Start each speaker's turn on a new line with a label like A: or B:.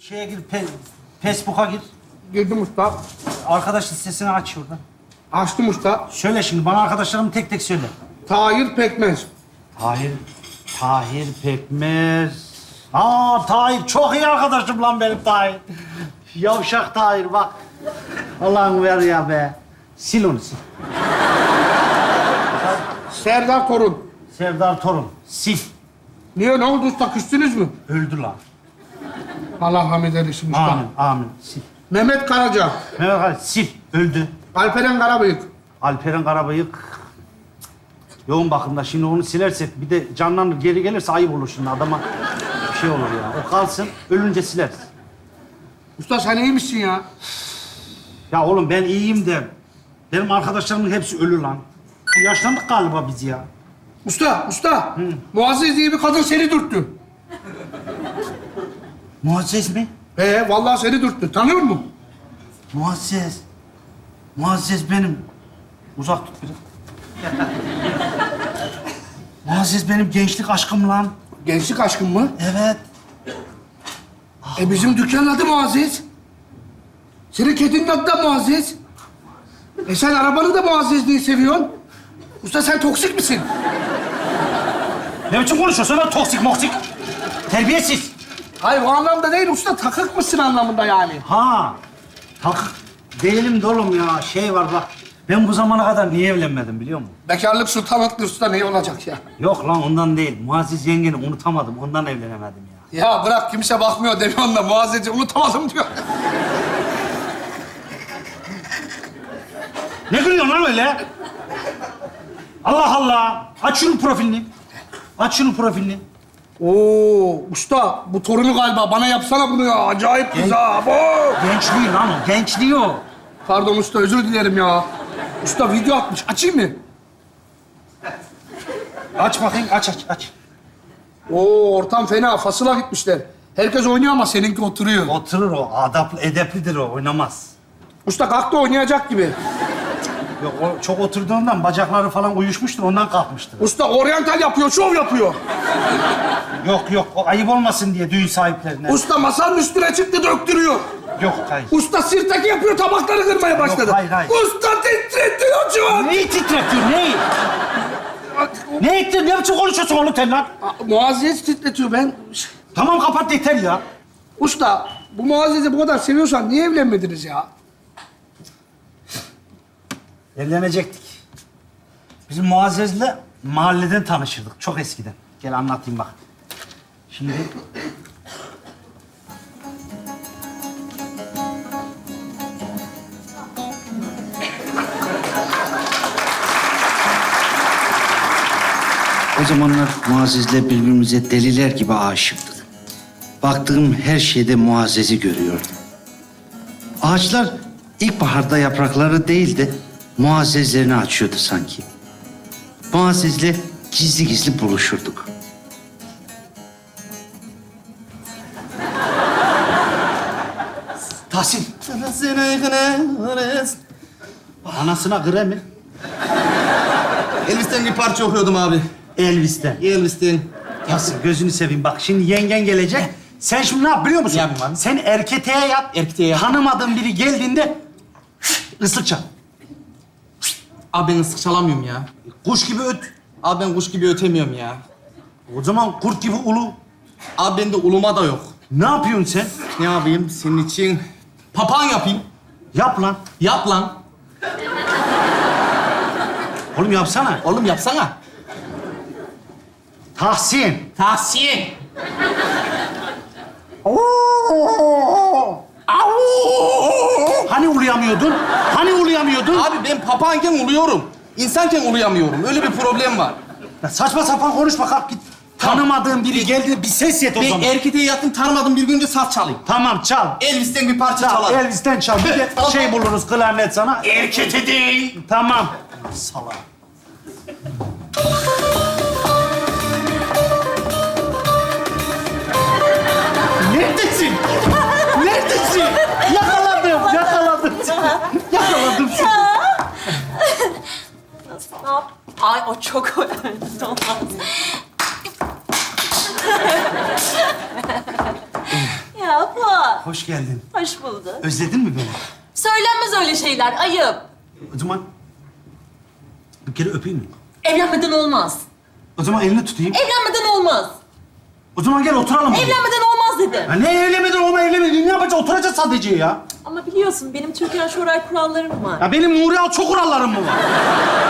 A: Şeye gir, Facebook'a gir.
B: Girdim usta.
A: Arkadaş listesini aç şuradan.
B: Açtım usta.
A: Söyle şimdi, bana arkadaşlarımı tek tek söyle.
B: Tahir Pekmez.
A: Tahir Pekmez. Tahir, çok iyi arkadaşım lan benim Tahir. Yavşak Tahir bak. Allah'ın ver ya be. Sil onu sil.
B: Serdar Torun.
A: Serdar Torun, sil.
B: Niye, ne oldu usta? Küstünüz mü?
A: Öldü lan.
B: Allah rahmet eylesin usta.
A: Amin, sil.
B: Mehmet Karaca.
A: Mehmet Ali, sil. Öldü.
B: Alperen Karabıyık.
A: Alperen Karabıyık. Yoğun bakımda. Şimdi onu silersek bir de canlanır geri gelirse ayıp olur şimdi adama. Bir şey olur ya. O kalsın, ölünce sileriz.
B: Usta sen iyi misin ya?
A: Ya oğlum ben iyiyim de benim arkadaşlarımın hepsi ölü lan. Yaşlandık galiba biz ya.
B: Usta. Muazzez diye bir kadın seni dürttü.
A: Muazzez mi?
B: Vallahi seni dürttü. Tanıyor musun?
A: Muazzez benim. Uzak tut biraz. Muazzez benim gençlik aşkım lan.
B: Gençlik aşkın mı?
A: Evet.
B: Bizim dükkanın adı Muazzez. Senin kedinin adı da Muazzez. Sen arabanı da Muazzez diye seviyorsun. Usta sen toksik misin?
A: Ne biçim konuşuyorsun lan toksik moksik? Terbiyesiz.
B: Hayır o anlamda değil usta, takık mısın anlamında yani.
A: Takık değilim de oğlum ya. Şey var bak. Ben bu zamana kadar niye evlenmedim biliyor musun?
B: Bekarlık sultanlıktır usta, ne olacak ya?
A: Yok lan ondan değil. Muazzez yengeni unutamadım. Ondan evlenemedim ya.
B: Ya bırak, kimse bakmıyor demiyorsun da Muazzez'i unutamadım diyor.
A: Ne gülüyorsun lan öyle? Allah Allah. Aç şunun profilini.
B: Oo usta, bu torunu galiba. Bana yapsana bunu ya. Acayip kız ha.
A: Gençliği lan o. Gençliği o.
B: Pardon usta, özür dilerim ya. Usta video atmış. Açayım mı?
A: Aç bakayım. Aç.
B: Oo ortam fena. Fasıla gitmişler. Herkes oynuyor ama seninki oturuyor.
A: Oturur o. Adaplı, edeplidir o. Oynamaz.
B: Usta kalktı, oynayacak gibi.
A: Yok o çok oturduğundan bacakları falan uyuşmuştur. Ondan kalkmıştır.
B: Usta oryantal yapıyor, şov yapıyor.
A: Yok. O ayıp olmasın diye düğün sahiplerine.
B: Usta masanın üstüne çıktı, döktürüyor.
A: Yok hayır.
B: Usta sirtaki yapıyor, tabakları kırmaya başladı.
A: hayır.
B: Usta titretiyor şu an.
A: Neyi titretiyor? Neyi? Ne biçim konuşuyorsun oğlum sen lan?
B: Muazzez titretiyor ben.
A: Tamam kapat yeter ya.
B: Usta bu Muazzez'i bu kadar seviyorsan niye evlenmediniz ya?
A: Evlenecektik. Bizim Muazzez'le mahalleden tanışırdık. Çok eskiden. Gel anlatayım bak. Şimdi... O zamanlar Muazzez'le birbirimize deliler gibi aşıktık. Baktığım her şeyde Muazzez'i görüyordum. Ağaçlar ilkbaharda yaprakları değil de Muazzezlerini açıyordu sanki. Muazzez'le gizli gizli buluşurduk. Tahsin. Anasına gre mi?
C: Elvis'ten bir parça okuyordum abi.
A: Elvis'ten.
C: Elvis'ten.
A: Tahsin gözünü seveyim bak şimdi yengen gelecek. Sen şimdi ne yap biliyor musun?
C: Ne yapayım abi?
A: Sen erketeğe yap.
C: Erketeğe yap.
A: Tanımadığın biri geldiğinde ıslık çal.
C: Abi ben ıslık çalamıyorum ya.
A: Kuş gibi öt.
C: Abi ben kuş gibi ötemiyorum ya.
A: O zaman kurt gibi ulu.
C: Abi bende uluma da yok.
A: Ne yapıyorsun sen?
C: Ne yapayım senin için? Papağan yapayım.
A: Yap lan.
C: Yap lan.
A: Oğlum yapsana.
C: Oğlum yapsana.
A: Tahsin.
C: Tahsin.
A: Hani uluyamıyordun?
C: Abi ben papağanken uluyorum. İnsanken uluyamıyorum. Öyle bir problem var.
A: Ya saçma sapan konuşma kalk git. Tanımadığın biri geldi bir ses yet o
C: Ben
A: zaman.
C: erketeğe yattım, tanımadım bir günce saz çalayım.
A: Tamam çal.
C: Elvis'ten bir parça
A: Çal.
C: çalarım.
A: Elvis'ten çal. Bir de
C: Tamam.
A: şey buluruz klarnet sana.
C: Erkete değil.
A: Tamam. Salak. Neredesin? Neredesin? Yakaladım seni. Yakaladım seni.
D: Nasıl? Ne yap? Ay o çok önemli. Olmaz. Ya Fuat.
E: Hoş geldin.
D: Hoş bulduk.
E: Özledin mi beni?
D: Söylenmez öyle şeyler, ayıp.
E: O zaman bir kere öpeyim mi?
D: Evlenmeden olmaz.
E: O zaman elini tutayım.
D: Evlenmeden olmaz.
E: O zaman gel oturalım.
D: Evlenmeden olmaz dedim.
E: Ya ne evlenmeden olma evlenmeden ne yapacağız? Oturacağız sadece ya.
D: Ama biliyorsun benim Türkan Şoray kurallarım var.
E: Ya benim Nuri Alço kurallarım mı var?